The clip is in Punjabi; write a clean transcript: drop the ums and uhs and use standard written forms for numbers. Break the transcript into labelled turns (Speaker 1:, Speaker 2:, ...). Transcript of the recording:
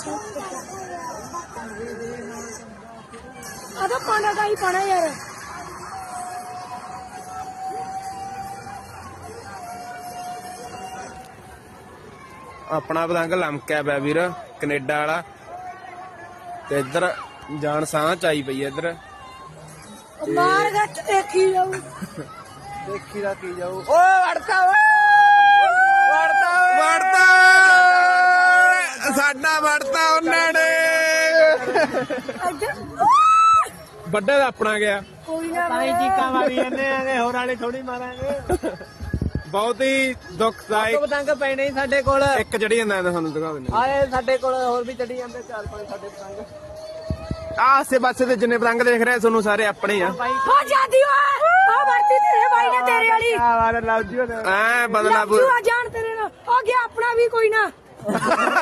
Speaker 1: ਆਦਾ ਪਾਣਾ ਦਾ ਹੀ ਪਾਣਾ ਯਾਰ।
Speaker 2: ਆਪਣਾ ਪਤੰਗ ਲਮਕਿਆ ਪਿਆ ਵੀਰ ਕੈਨੇਡਾ ਵਾਲਾ ਤੇ ਇੱਧਰ ਜਾਨ ਸਾਹ ਚਾਈ ਪਈ ਇੱਧਰ
Speaker 1: ਮਾਰ ਗੱਟ ਦੇਖੀ ਜਾਊ।
Speaker 3: ਦੇਖੀ ਦਾ ਕੀ ਜਾਊ।
Speaker 2: ਓਏ ਵੜਤਾ ਸਾਡਾ ਵੜਤਾ ਉਹਨਾਂ ਨੇ ਵੱਡਾ ਦਾ ਆਪਣਾ ਗਿਆ।
Speaker 1: ਕੋਈ ਨਾ
Speaker 3: ਤਾਂ ਹੀ ਚੀਕਾਂ ਮਾਰੀ ਜਾਂਦੇ ਆਗੇ, ਹੋਰ ਵਾਲੇ ਥੋੜੀ ਮਾਰਾਂਗੇ।
Speaker 2: ਬਹੁਤ ਹੀ ਦੁਖਦਾਇਕ
Speaker 3: ਪਤੰਗ ਪੈਣੇ ਹੀ ਸਾਡੇ ਕੋਲ।
Speaker 2: ਇੱਕ ਚੜੀ ਜਾਂਦਾ ਤੁਹਾਨੂੰ ਦਿਖਾ ਦਿੰਦੇ
Speaker 3: ਆਏ ਸਾਡੇ ਕੋਲ ਹੋਰ ਵੀ ਚੜੀ ਜਾਂਦੇ 4-5 ਸਾਡੇ ਪਤੰਗ।
Speaker 2: ਆਸੇ ਪਾਸੇ ਦੇ ਜਿੰਨੇ ਪਤੰਗ ਦੇਖ ਰਹੇ ਤੁਹਾਨੂੰ ਸਾਰੇ ਆਪਣੇ ਆ।
Speaker 1: ਹੋ ਜਾਂਦੀ ਵਾ ਆ ਵਰਤੀ ਤੇਰੇ ਬਾਈ ਨੇ ਤੇਰੇ ਵਾਲੀ
Speaker 3: ਆ ਵਾਰ ਲਵ ਜੀ
Speaker 2: ਐ ਬਦਲਾਪੁਰ
Speaker 1: ਲੱਜੂ ਆ ਜਾਣ ਤੇਰੇ ਨਾਲ ਹੋ ਗਿਆ ਆਪਣਾ ਵੀ ਕੋਈ ਨਾ।